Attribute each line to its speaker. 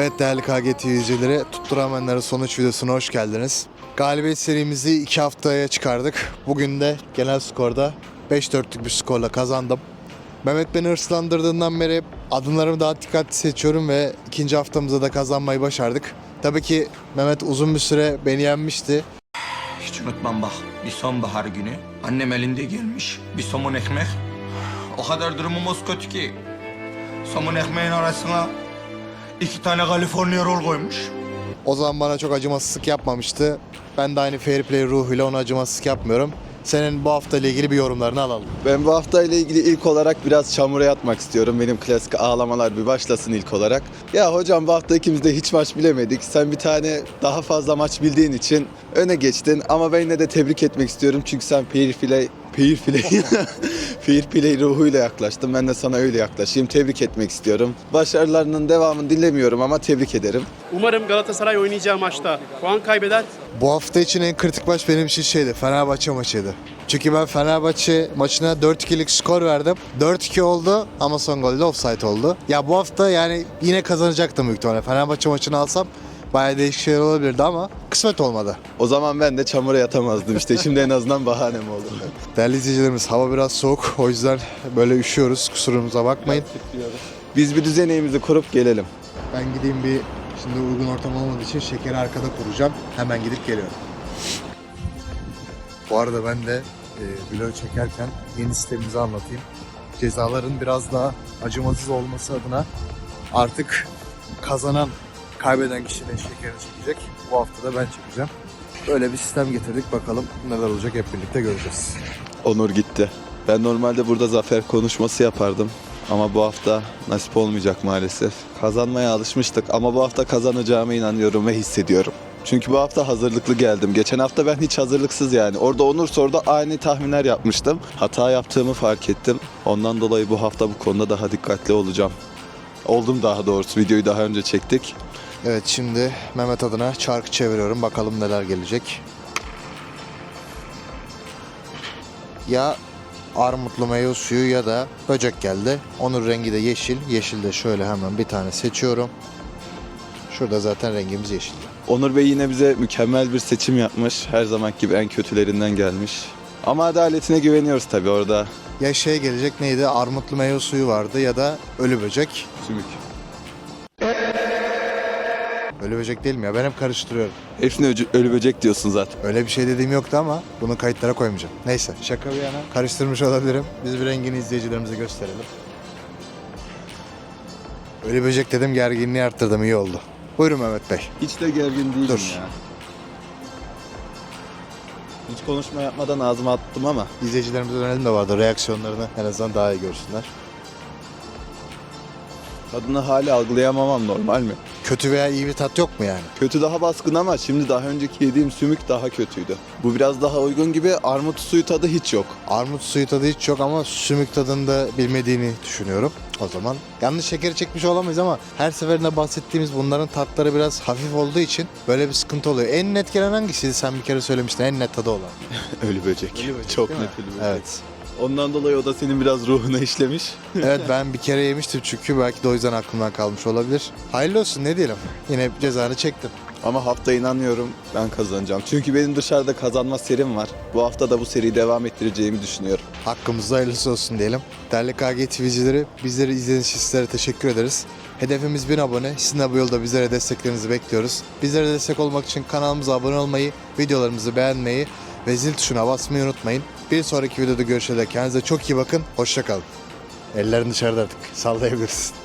Speaker 1: Evet değerli KGT izleyicileri, Tutturamayanların sonuç videosuna hoş geldiniz. Galibiyet serimizi 2 haftaya çıkardık. Bugün de genel skorda 5-4'lük bir skorla kazandım. Mehmet beni hırslandırdığından beri adımlarımı daha dikkatli seçiyorum ve ikinci haftamızda da kazanmayı başardık. Tabii ki Mehmet uzun bir süre beni yenmişti.
Speaker 2: Hiç unutmam bak, bir sonbahar günü annem elinde gelmiş bir somun ekmek. O kadar durumumuz kötü ki somun ekmeğin arasına 2 tane California roll koymuş.
Speaker 1: O zaman bana çok acımasızlık yapmamıştı. Ben de aynı fair play ruhuyla ona acımasızlık yapmıyorum. Senin bu hafta ile ilgili bir yorumlarını alalım.
Speaker 3: Ben bu hafta ile ilgili ilk olarak biraz çamura yatmak istiyorum. Benim klasik ağlamalar bir başlasın ilk olarak. Ya hocam bu hafta ikimiz de hiç maç bilemedik. Sen bir tane daha fazla maç bildiğin için öne geçtin. Ama ben yine de tebrik etmek istiyorum. Çünkü sen fair play ruhuyla yaklaştın. Ben de sana öyle yaklaşayım. Tebrik etmek istiyorum. Başarılarının devamını dilemiyorum ama tebrik ederim.
Speaker 4: Umarım Galatasaray oynayacağı maçta puan kaybeder.
Speaker 1: Bu hafta için en kritik maç benim için Fenerbahçe maçıydı. Çünkü ben Fenerbahçe maçına 4-2'lik skor verdim. 4-2 oldu ama son golde offside oldu. Ya bu hafta yani yine kazanacaktım büyük ihtimalle. Fenerbahçe maçını alsam bayağı değişik şeyler olabilirdi ama kısmet olmadı.
Speaker 3: O zaman ben de çamura yatamazdım işte. Şimdi en azından bahanem oldu.
Speaker 1: Değerli izleyicilerimiz, hava biraz soğuk. O yüzden böyle üşüyoruz. Kusurumuza bakmayın.
Speaker 3: Biz bir düzeneğimizi kurup gelelim.
Speaker 1: Ben gideyim şimdi uygun ortam olmadığı için şekeri arkada kuracağım. Hemen gidip geliyorum. Bu arada ben de vlog çekerken yeni sistemimizi anlatayım. Cezaların biraz daha acımasız olması adına artık kazanan, kaybeden kişi de şekerini çekecek. Bu hafta da ben çekeceğim. Böyle bir sistem getirdik. Bakalım neler olacak, hep birlikte göreceğiz.
Speaker 3: Onur gitti. Ben normalde burada zafer konuşması yapardım. Ama bu hafta nasip olmayacak maalesef. Kazanmaya alışmıştık ama bu hafta kazanacağıma inanıyorum ve hissediyorum. Çünkü bu hafta hazırlıklı geldim. Geçen hafta ben hiç hazırlıksız yani. Orada Onur soruda aynı tahminler yapmıştım. Hata yaptığımı fark ettim. Ondan dolayı bu hafta bu konuda daha dikkatli olacağım. Oldum daha doğrusu. Videoyu daha önce çektik.
Speaker 1: Evet, şimdi Mehmet adına çarkı çeviriyorum. Bakalım neler gelecek. Ya armutlu meyve suyu ya da böcek geldi. Onun rengi de yeşil. Yeşil de şöyle hemen bir tane seçiyorum. Şurada zaten rengimiz yeşil.
Speaker 3: Onur Bey yine bize mükemmel bir seçim yapmış. Her zamanki gibi en kötülerinden gelmiş. Ama adaletine güveniyoruz tabii orada.
Speaker 1: Ya gelecek neydi? Armutlu meyve suyu vardı ya da ölü böcek.
Speaker 3: Sümük.
Speaker 1: Ölü böcek değil mi ya? Ben hep karıştırıyorum.
Speaker 3: Hepsine ölü böcek diyorsun zaten.
Speaker 1: Öyle bir şey dediğim yoktu ama bunu kayıtlara koymayacağım. Neyse, şaka bir yana karıştırmış olabilirim. Biz bir rengini izleyicilerimize gösterelim. Ölü böcek dedim, gerginliği arttırdım, iyi oldu. Buyurun Mehmet Bey.
Speaker 3: Hiç de gergin değilim
Speaker 1: Dur.
Speaker 3: ya. Hiç konuşma yapmadan ağzıma attım ama.
Speaker 1: İzleyicilerimize dönelim de vardı. Reaksiyonlarını en azından daha iyi görsünler.
Speaker 3: Tadını hala algılayamamam normal mi?
Speaker 1: Kötü veya iyi bir tat yok mu yani?
Speaker 3: Kötü daha baskın ama şimdi daha önceki yediğim sümük daha kötüydü. Bu biraz daha uygun gibi, armut suyu tadı hiç yok.
Speaker 1: Armut suyu tadı hiç yok ama sümük tadını da bilmediğini düşünüyorum. O zaman yanlış şekeri çekmiş olamayız ama her seferinde bahsettiğimiz bunların tatları biraz hafif olduğu için böyle bir sıkıntı oluyor. En net gelen hangisiydi? Sen bir kere söylemiştin, en net tadı olan.
Speaker 3: Ölü böcek.
Speaker 1: Ölü böcek,
Speaker 3: Çok
Speaker 1: değil mi?
Speaker 3: net ölü böcek.
Speaker 1: Evet.
Speaker 3: Ondan dolayı o da senin biraz ruhuna işlemiş.
Speaker 1: Evet, ben bir kere yemiştim çünkü belki de o yüzden aklımdan kalmış olabilir. Hayırlı olsun, ne diyelim. Yine cezanı çektin.
Speaker 3: Ama hafta inanıyorum ben kazanacağım. Çünkü benim dışarıda kazanma serim var. Bu hafta da bu seriyi devam ettireceğimi düşünüyorum.
Speaker 1: Hakkımızda hayırlısı olsun diyelim. Değerli KG TV'cileri, bizleri izlediğiniz için sizlere teşekkür ederiz. Hedefimiz 1000 abone. Sizin de bu yolda bizlere desteklerinizi bekliyoruz. Bizlere destek olmak için kanalımıza abone olmayı, videolarımızı beğenmeyi ve zil tuşuna basmayı unutmayın. Bir sonraki videoda görüşene dek kendinize çok iyi bakın. Hoşça kalın. Ellerin dışarıda artık. Sallayabilirsin.